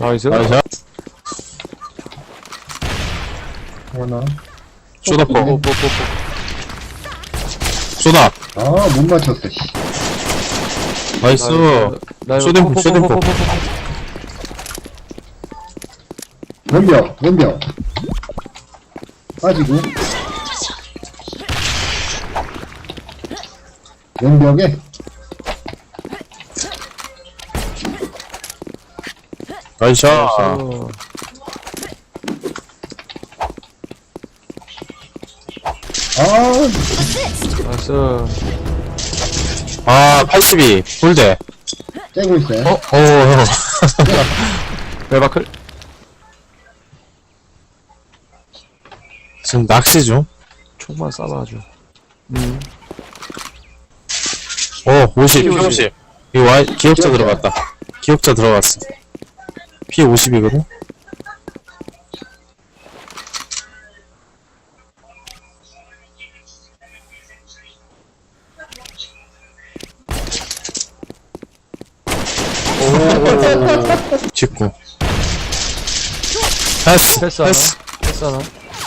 나이스. 나이스. 하나. 쇼다포. 뽀뽀뽀뽀. 쇼다. 아, 못 맞췄어, 씨. 나이스. 쇼딩포, 쇼딩포. 왼벽. 빠지고. 왼벽에. 나이스. 나이스. 아, 82. 홀대. 째고 있어요. 형. 벨바클. 지금 낚시 중. 총만 쏴봐줘. 50. P50. P50. 이거 기억자 들어갔다. 기억자 들어갔어. P50이거든? 직구. 패스. 패스 하나. 패스 하나.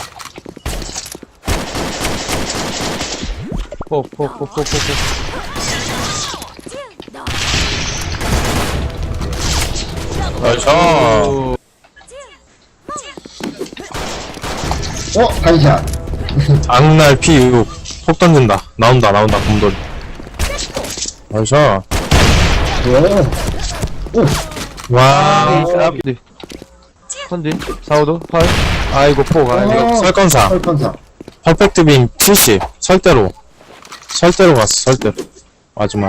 뽀뽀뽀뽀뽀. 나이스. 반샷. 악날 P6. 폭 던진다. 나온다, 곰돌이. 나이스. 오. 와. 컨디. 컨디. 4호도 8. 아이고 포 가야 돼. 설건사. 설컨사. 퍼펙트 빔 70. 설대로 갔어, 설대로. 마지막.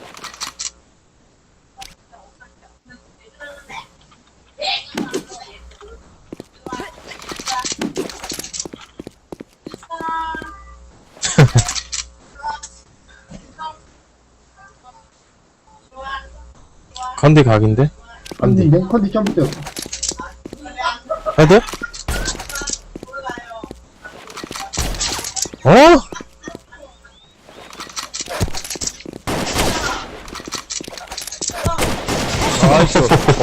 컨디 각인데? 컨디 점프 뛰었어. 헤드? 어? 나이스.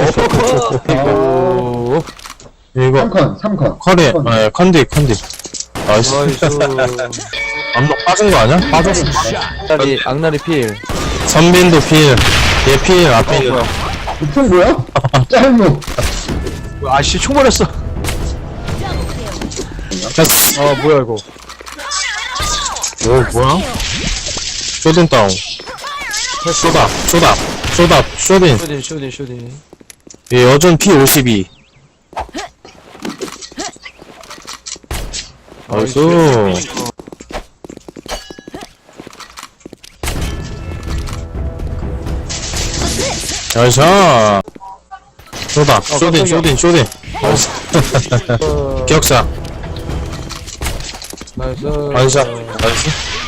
오. 이거 3컨. 커리, 컨디. 나이스. 나이스. 암록 빠진 거 아니야? 빠졌어. 악날이 필. 선빈도 필, 얘 필, 앞필. 뭐야. 총 뭐야? 짧무. 아씨 총 맞았어. 패스. 아 뭐야 이거. 오, 뭐야? 쇼딘 다운. 쇼딘. 쇼딘. 얘 여전 P52. 나이스. 나이스. 쇼딘. 나이스. 기억사. 나이스. 반샷. 나이스.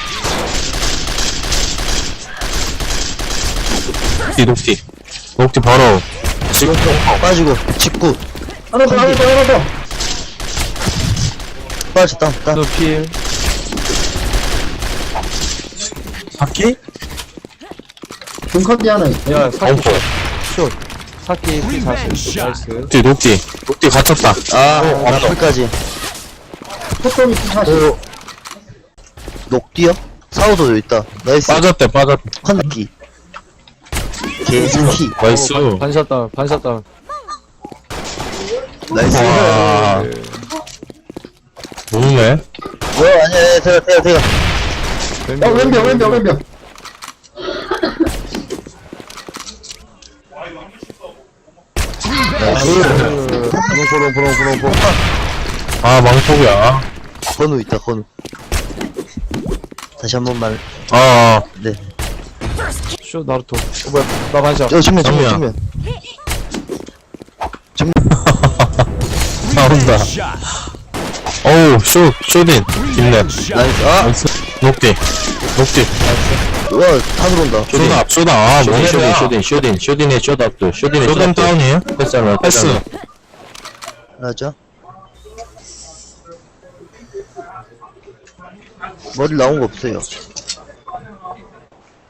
녹티 바로. 빠지고 직구 하나 더. 빠졌다. 또 필. 바퀴? 중컨디 하나 있어. 야 사키 엉퍼. 숏. 사키 P40. 나이스. 녹티 갇혔다. 나풀까지 속도미 사실. 녹디요? 사우도 여기 있다. 나이스. 빠졌대. 컨디 개새끼. 나이스. 반샷 다운. 나이스. 와. 모르네. 뭐야 아니야 대가 왼벽. 브롱. 아, 망폭이야. 건우 있다 건우. 다시 한 번만. 네. 숏 나루토. 뭐야 나 반샷. 정면. 나온다. 어우, 쇼딘. 뒷랩. 나이스. 나이스. 녹디. 와 탄으로 온다. 쇼다. 아, 뭐냐. 쇼딘의 쇼답도. 쇼딘 다운이에요? 패스. 맞아. 머리 나온 거 없어요.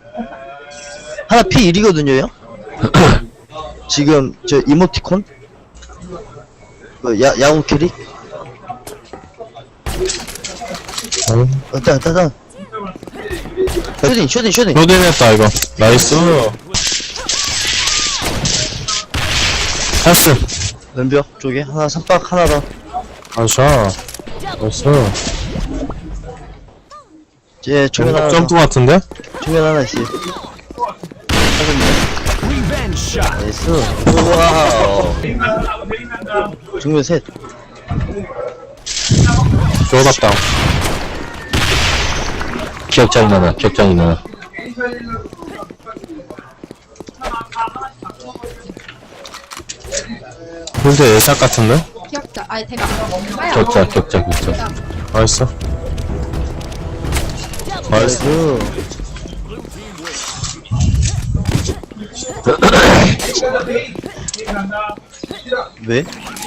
하나 P1이거든요, 형? 지금, 저, 이모티콘? 그 야구 캐릭? 따. 쇼딩. 쇼딘 했다, 이거. 나이스. 패스. 왼벽 쪽에 하나, 삼박 하나 더. 아샤. 나이스. 제 정면 하나 더. 점프 같은데? 정면 하나 있어. 나이스. 우와. 정면 셋. 쇼답다. 기억장이 나나. 근데 예샷 같은데? 기억자. 아니 대가. 아야. 격자. 나이스. 나이스. 왜?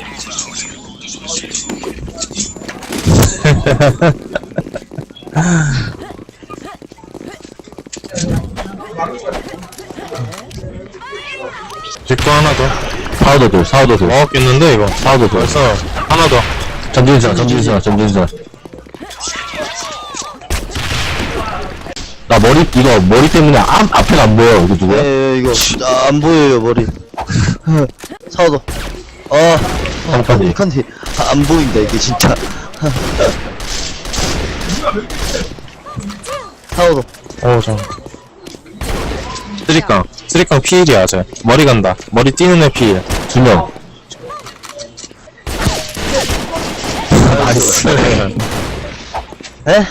직구 하나 더. 사우더 둘. 먹었겠는데, 이거. 사우더 둘. 벌써 하나 더. 전진수나. 나 머리 때문에 앞에가 안 보여. 이거 누구야? 이거 안 보여요 머리. 사오도. 한칸이. 컨디 안 보인다 이게 진짜. 사오도. 쓰리깡 피일이야, 쟤. 머리 간다. 머리 뛰는 애 피일. 2명. 나이스. 에?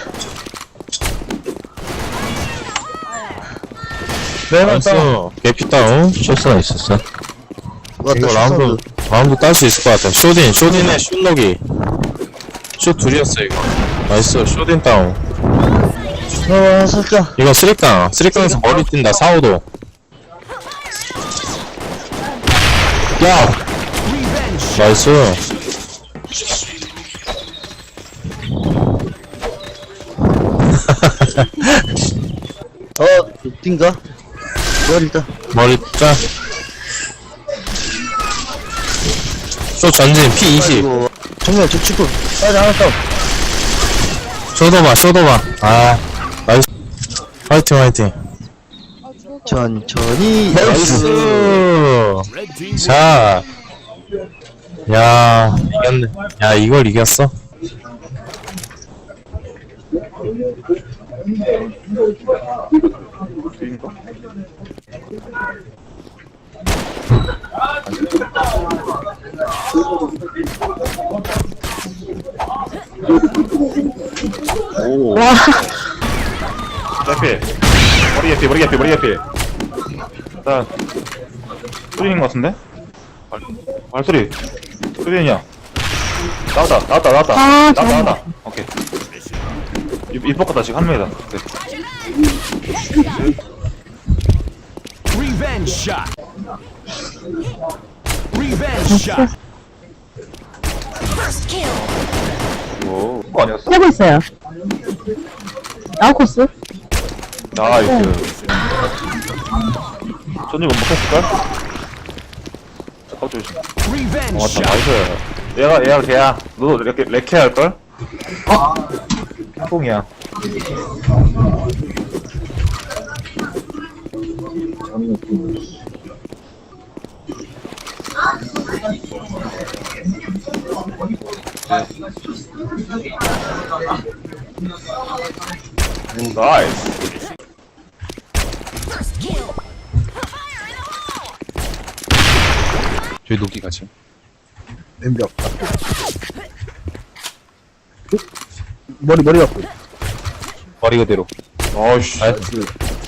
나이스. 개피 다운. 쇼스가 있었어. 왔다 이거 슈사우드. 라운드 딸 수 있을 것 같아. 쇼딘의 슛록이. 슛 둘이었어, 이거. 나이스. 쇼딘 다운. 살짝. 이거 쓰리깡에서 머리 뛴다. 사우도. 야! 나이스. 뛴가? 머리 일단. 머리 짜. 쇼 전진 P20. 이거 정면 저 축구. 빨리 하나 싸움. 쇼도봐. 아, 나이스. 화이팅. 천천히. 나이스. 자. 야, 이겼네. 야, 이걸 이겼어? 개피. 머리 개피. 일단 소리인 것 같은데? 발소리. 소리냐? 나왔다. 오케이. 입 벗겼다 지금 한 명이다. 오케이. 오, 그거 아니었어? 하고 있어요. 아웃코스? 나이스. 전지 못 먹혔을걸? 잠깐 조심. 맞다, 나이스. 얘가 걔야. 너도 레케 할걸? 뽕이야. 나이스. 저희 녹기 같이. 왼벽. 머리 갖고. 머리 그대로. 어이씨. 나이스.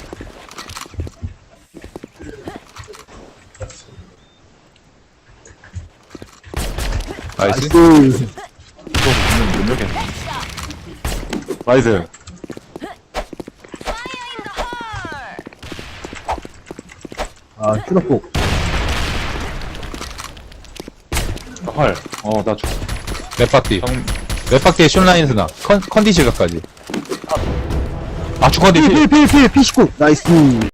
나이스. 나이스. 아, 슈러폭. 헐. 나 랩박디. 랩박디의 숏라인에서 나. 컨디 실각까지. 아주 컨디. 필, P19. 나이스.